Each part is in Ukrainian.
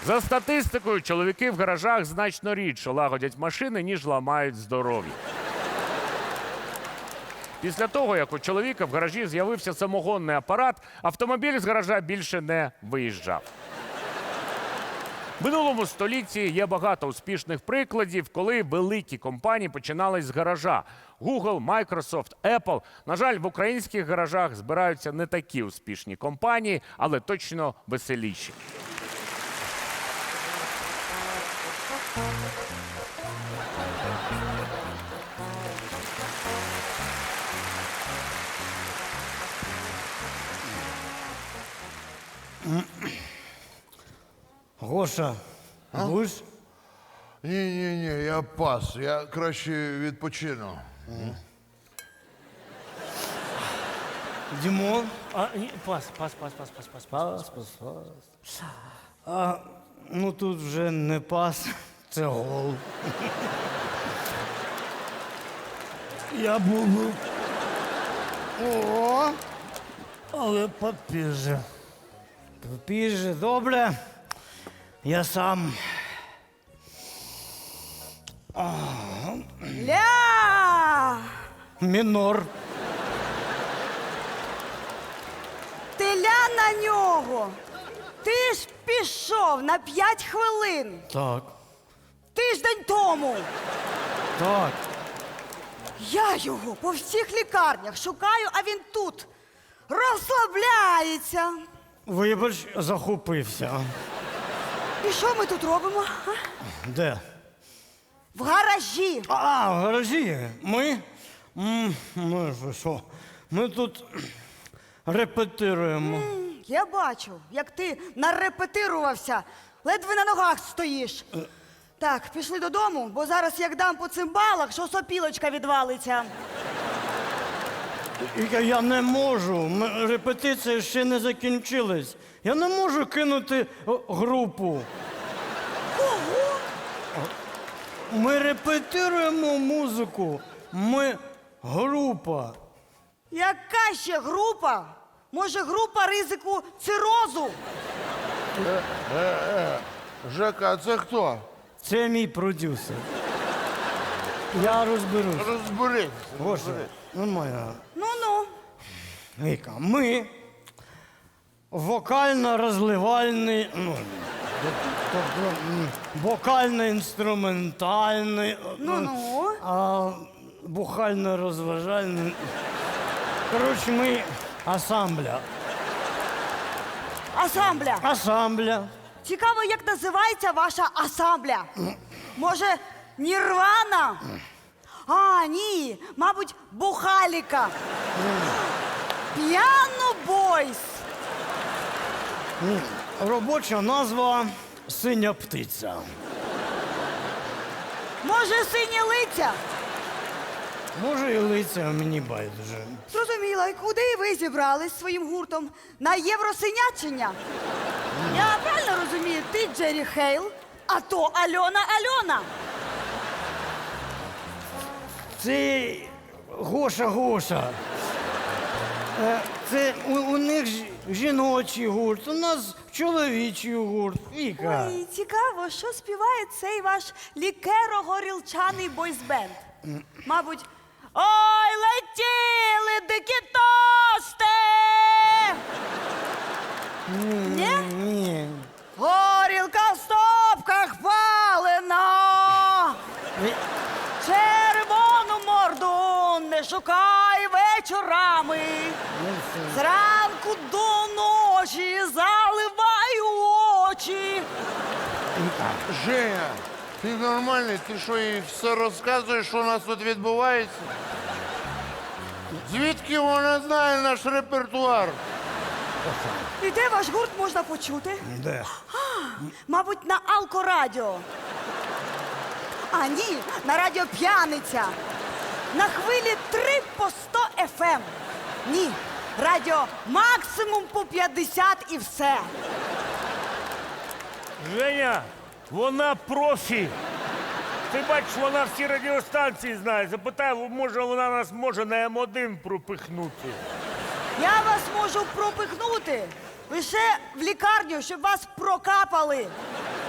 За статистикою, чоловіки в гаражах значно рідше лагодять машини, ніж ламають здоров'я. Після того, як у чоловіка в гаражі з'явився самогонний апарат, автомобіль з гаража більше не виїжджав. В минулому столітті є багато успішних прикладів, коли великі компанії починали з гаража. Google, Microsoft, Apple. На жаль, в українських гаражах збираються не такі успішні компанії, але точно веселіші. Гоша, будеш? Ні, я пас. Я краще відпочину. Дімон? Пас. Ну тут вже не пас, це гол. Я буду. О, але попізже. Попізже, добре. Я сам. Ля! Мінор. Ти ля на нього. Ти ж пішов на 5 хвилин. Так. Тиждень тому. Так. Я його по всіх лікарнях шукаю, а він тут розслабляється. Вибач, захопився. І що ми тут робимо? А? Де? В гаражі. В гаражі. Ми що? Ми тут репетируємо. Я бачу, як ти нарепетирувався, ледве на ногах стоїш. Так, пішли додому, бо зараз як дам по цимбалах, що сопілочка відвалиться. Я не можу. Репетиція ще не закінчилась. Я не можу кинути групу. Кого? Ми репетируємо музику. Ми група. Яка ще група? Може, група ризику цирозу? Жека, а це хто? Це мій продюсер. Я розберусь. Розберись. Гоша, нормально. Ну-ну. Віка, ми вокально-розливальний, вокально-інструментальний, Ну-ну. бухально-розважальний. Коротше, ми асамбля. Асамбля. Асамбля. Цікаво, як називається ваша асамбля? Може, Нірвана? А, ні, мабуть, Бухаліка. Піано Бойс. Робоча назва «Синя птиця». Може, Сині лиця? Може і лиця, мені байдуже. Зрозуміла, і куди ви зібрались своїм гуртом? На Євросинячення? Я правильно розумію, ти Джері Хейл, а то Альона. Це Гоша. Це у них жіночий гурт, у нас чоловічий гурт. Віка. Ой, цікаво, що співає цей ваш лікеро-горілчаний бойсбенд? Мабуть, ой, летіли дикі тости! Ні? Ні. Горілка в стопках палена! Червону морду не шукай вечорами. Зранку до ночі заливай очі. Женя, ти нормальний? Ти що, їй все розказуєш, що у нас тут відбувається? Звідки вона знає наш репертуар? І де ваш гурт можна почути? Де? Мабуть, на Алкорадіо. А ні, на радіо П'яниця. На хвилі 3 по 100 FM. Ні, радіо максимум по 50 і все. Женя, вона профі. Ти бачиш, вона всі радіостанції знає. Запитай, може вона нас може на М1 пропихнути. Я вас можу пропихнути лише в лікарню, щоб вас прокапали.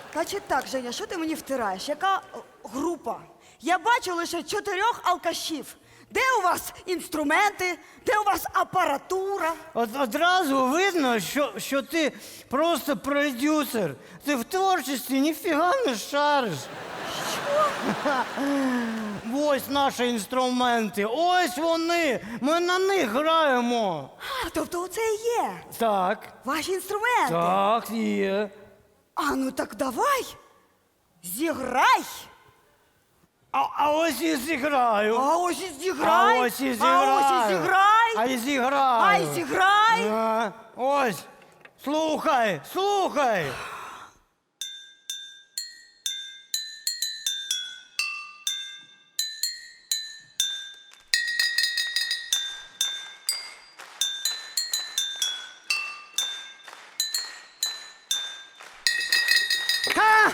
Значить так, Женя, що ти мені втираєш? Яка група? Я бачу лише 4 алкашів. Де у вас інструменти? Де у вас апаратура? Одразу видно, що ти просто продюсер. Ти в творчості ніфіга не шариш. Що? Ось наші інструменти, ось вони. Ми на них граємо. А, тобто оце і є Так, ваші інструменти? так, є. А ну так давай, зіграй. А ось і зіграю. А ось і зіграй. А ось і зіграю. А ось і зіграй. А й зіграю. А й зіграй. Ось, слухай, слухай. Ха!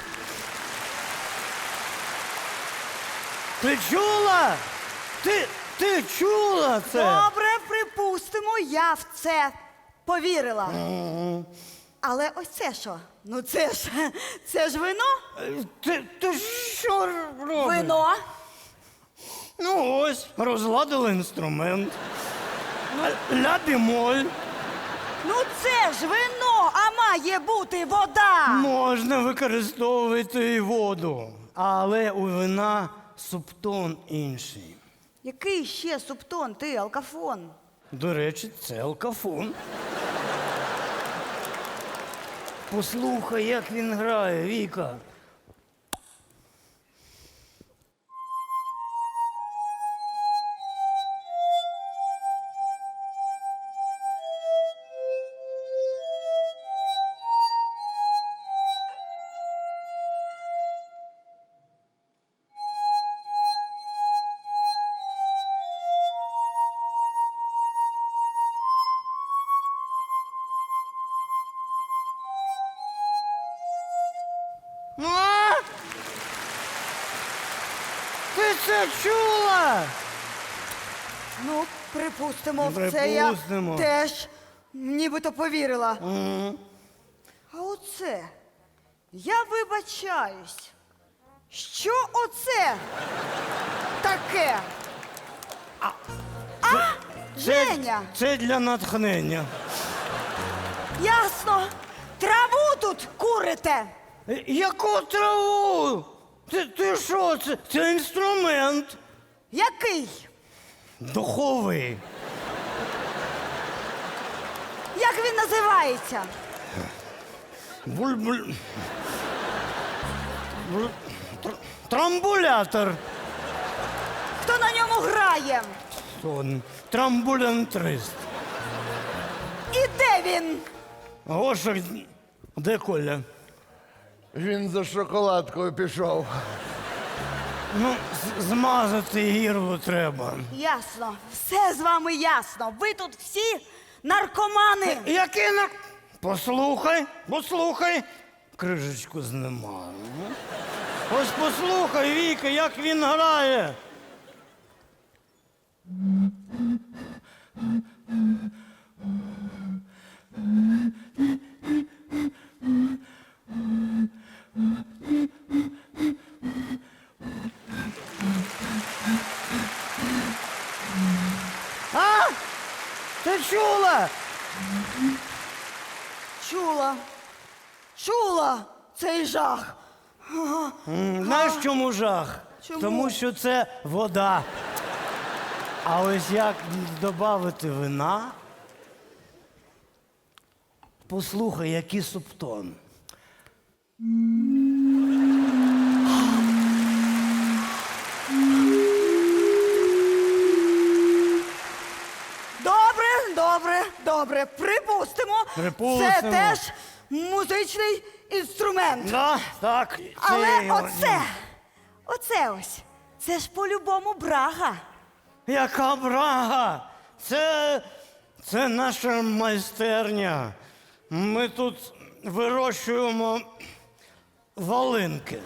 Ти чула? Ти чула це? Добре, припустимо, я в це повірила. Але ось це що? Ну це ж вино? Ти що робиш? Вино. Ну ось, розладили інструмент. Ля бемоль. Ну це ж вино, а має бути вода. Можна використовувати і воду, але у вина субтон інший. Який ще субтон, ти, алкафон? До речі, це алкафон. Послухай, як він грає, Віка. А? Ти це чула? Ну, припустимо, в це я Припустимо. теж нібито повірила. А оце, я вибачаюсь. Що оце таке? Женя, Це для натхнення. ясно. Траву тут курите. Яку траву? Ти що? Це інструмент. Який? Духовий. Як він називається? Буль-буль. Трамбулятор. Хто на ньому грає? Сон. Трамбулянтрист. І де він? Гоша, де Коля? Він за шоколадкою пішов. Ну, змазати гірло треба. Ясно. Все з вами ясно. Ви тут всі наркомани. Який на... Послухай. Крижечку знімаю. Ось послухай, Віка, як він грає. А? Ти чула? Чула цей жах. Знаєш, чому жах? Чому? Тому що це вода. А ось як додати вина? Послухай, який субтон. Добре. Припустимо. Припустимо. Це теж музичний інструмент. Да, так. Але його- оце ось. Це ж по-любому брага. Яка брага! Це наша майстерня. Ми тут вирощуємо волинки.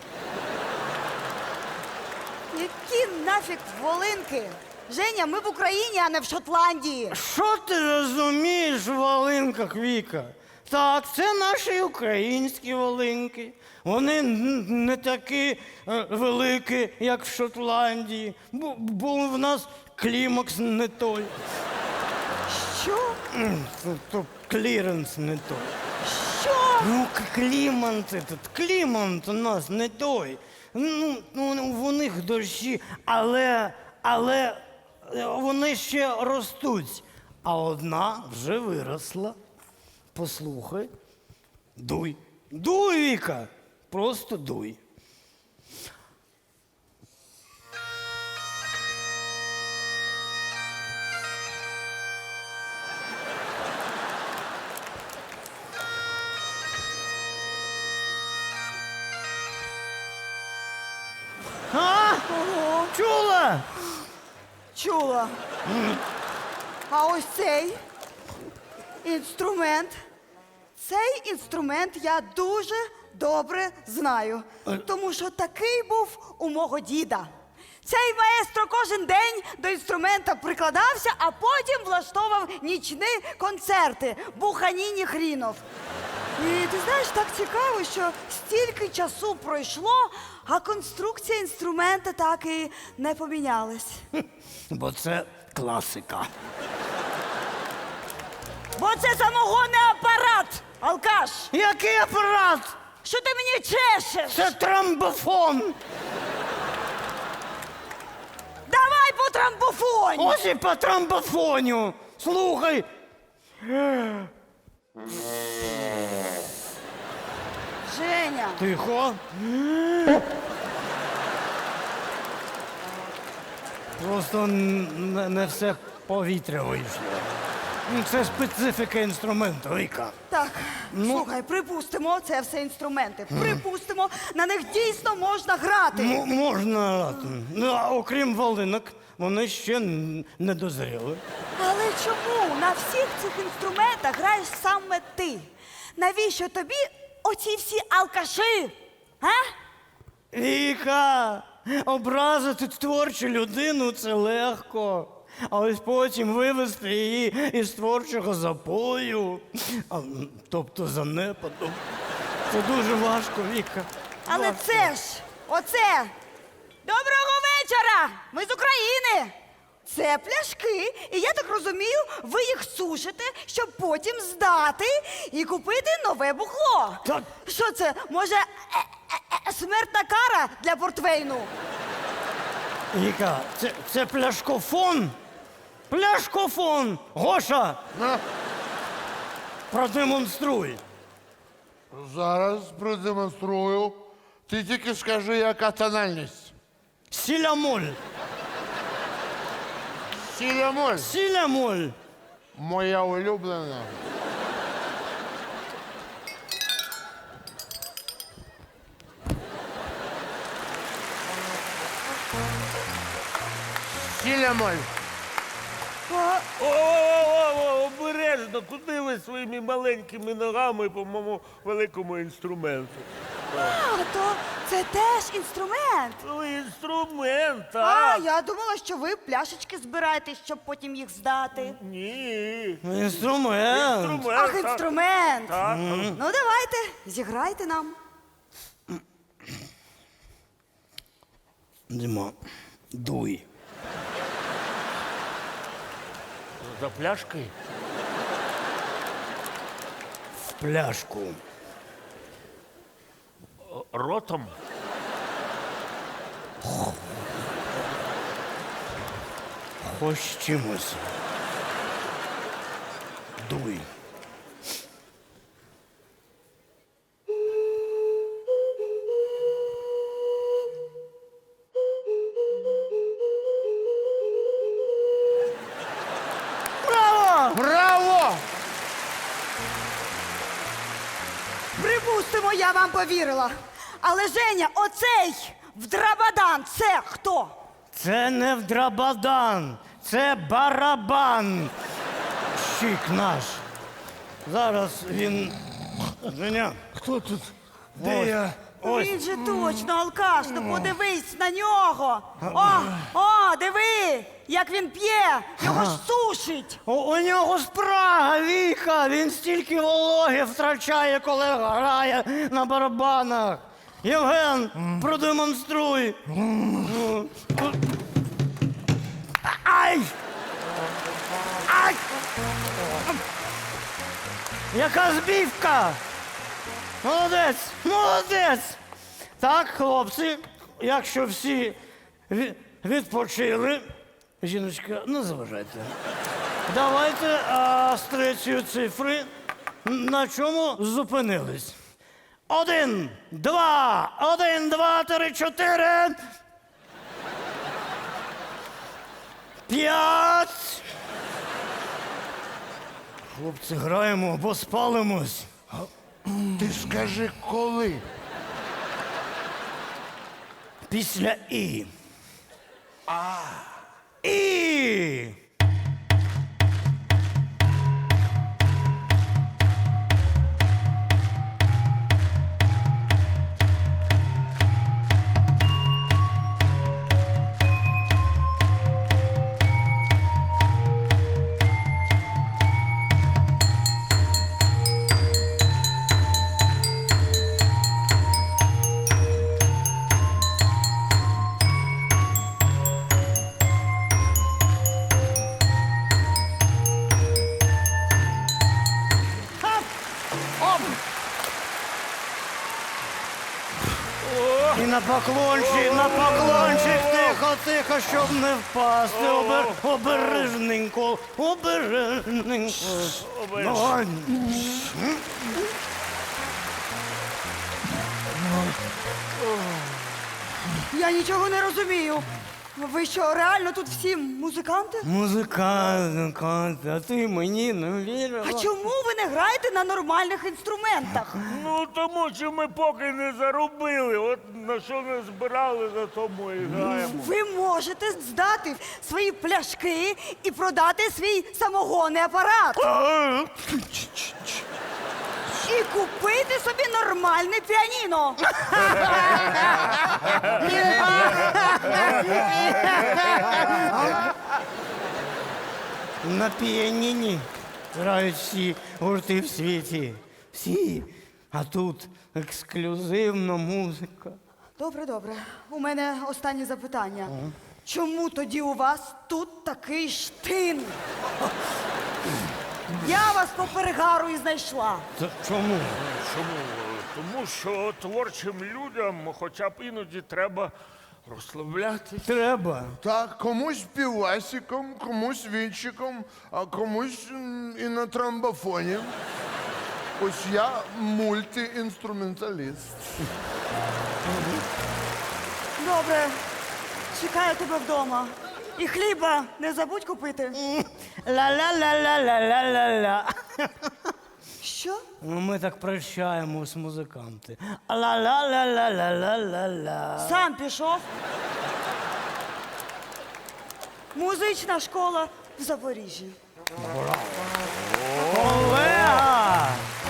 Які нафіг волинки? Женя, ми в Україні, а не в Шотландії. Що ти розумієш в волинках, Віка? Так, це наші українські волинки. Вони не такі великі, як в Шотландії, бо в нас клімакс не той. Що? То кліренс не той. Що? Ну, клімат у нас не той. Ну, у них дощі, але вони ще ростуть. А одна вже виросла. Послухай. Дуй. Дуй, Віка. Просто дуй. А? Ого, Чула? чула. А ось цей інструмент. Цей інструмент я дуже добре знаю, тому що такий був у мого діда. Цей маестро кожен день до інструмента прикладався, а потім влаштовував нічні концерти Буханіні Хрінов. І ти знаєш, так цікаво, що стільки часу пройшло, а конструкція інструмента так і не помінялась. Бо це класика. Бо це самогонний апарат, алкаш! Який апарат? Що ти мені чешеш? Це тромбофон. Давай по трамбофоні! Ось і по тромбофоню. Слухай. Женя, Тихо. Просто не все повітря вийшло. Ну, це специфіка інструменту, Віка. так, слухай, припустимо, це все інструменти. Припустимо, на них дійсно можна грати. Можна грати. Ну, а окрім волинок, вони ще не дозріли. Але чому на всіх цих інструментах граєш саме ти? Навіщо тобі оці всі алкаші? А? Віка, образити творчу людину це легко. А ось потім вивести її із творчого запою, тобто занепаду. Це дуже важко, Віка. Але Важко. це ж, оце. Доброго вечора! Ми з України. Це пляшки, і я так розумію, ви їх сушите, щоб потім здати і купити нове бухло. Так. Що це? Може, смертна кара для портвейну? Віка, це пляшкофон. Пляшкофон! Гоша! На, Продемонструй. зараз продемонструю. Ти тільки скажи, яка тональність. Сілямоль. Сілямоль. Сілямоль. Моя улюблена. Сілямоль. О, обережно, куди ви своїми маленькими ногами по моєму великому інструменту? А, то це теж інструмент. Ну, інструмент, А, так? я думала, що ви пляшечки збираєте, щоб потім їх здати. Ні. Інструмент. Інструмент. Ах, так. інструмент. Так. Ну, давайте, зіграйте нам. Дима, дуй. За пляшки? В пляшку. Ротом? Хоч чимось. Дуй. Браво! Браво! Припустимо, я вам повірила. Але, Женя, оцей вдрабадан, це хто? Це не вдрабадан, це барабан. Щик наш. Зараз він. Женя, Хто тут? Де Ось. я? Він же точно алкаш, ну подивись на нього. Диви, як він п'є, його ж сушить. У нього спрага, Віка, він стільки вологи втрачає, коли грає на барабанах. Євген, продемонструй. Ай! Ай! Яка збівка! Молодець! Молодець! Так, хлопці, якщо всі відпочили, жіночка, не заважайте. Давайте з третьої цифри. На чому зупинились? 1, 2, 1, 2, 3, 4. 5. Хлопці, граємо або спалимось. Ти скажи, коли? Після І. І. І на поклончик, тихо, тихо, щоб не впасти. Обережненько, обережненько. Давай. Я нічого не розумію. Ви що, реально тут всі музиканти? Музиканти, а ти мені не вірила? А чому ви не граєте на нормальних інструментах? Ну, тому що ми поки не заробили. От на що не збирали, за тому і граємо. Ви можете здати свої пляшки і продати свій самогонний апарат. І купити собі нормальне піаніно. На піаніні грають всі гурти в світі. Всі. А тут ексклюзивна музика. Добре, добре. У мене останнє запитання. Чому тоді у вас тут такий штин? Я вас по перегару і знайшла. Чому? Чому? Тому що творчим людям хоча б іноді треба розслаблятися. Треба. Так, комусь півасиком, комусь вінчиком, а комусь і на тромбофоні. Ось я мультиінструменталіст. Добре. Чекаю тебе вдома. І хліба не забудь купити. Ла-ла-ла-ла-ла-ла-ла-ла. Що? Ну, ми так прощаємось, музиканти. Ла-ла-ла-ла-ла-ла-ла. Сам пішов. Музична школа в Запоріжжі. Олега!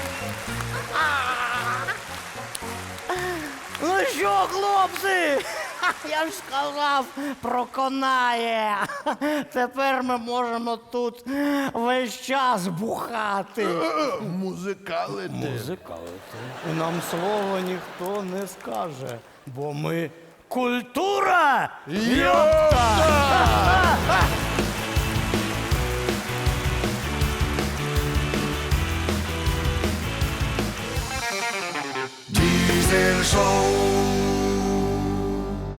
Ну що, хлопці? Я ж сказав, проконає. Тепер ми можемо тут весь час бухати. Музикалити. Музикалити. І нам слова ніхто не скаже, бо ми культура! Йопта! Diesel Show.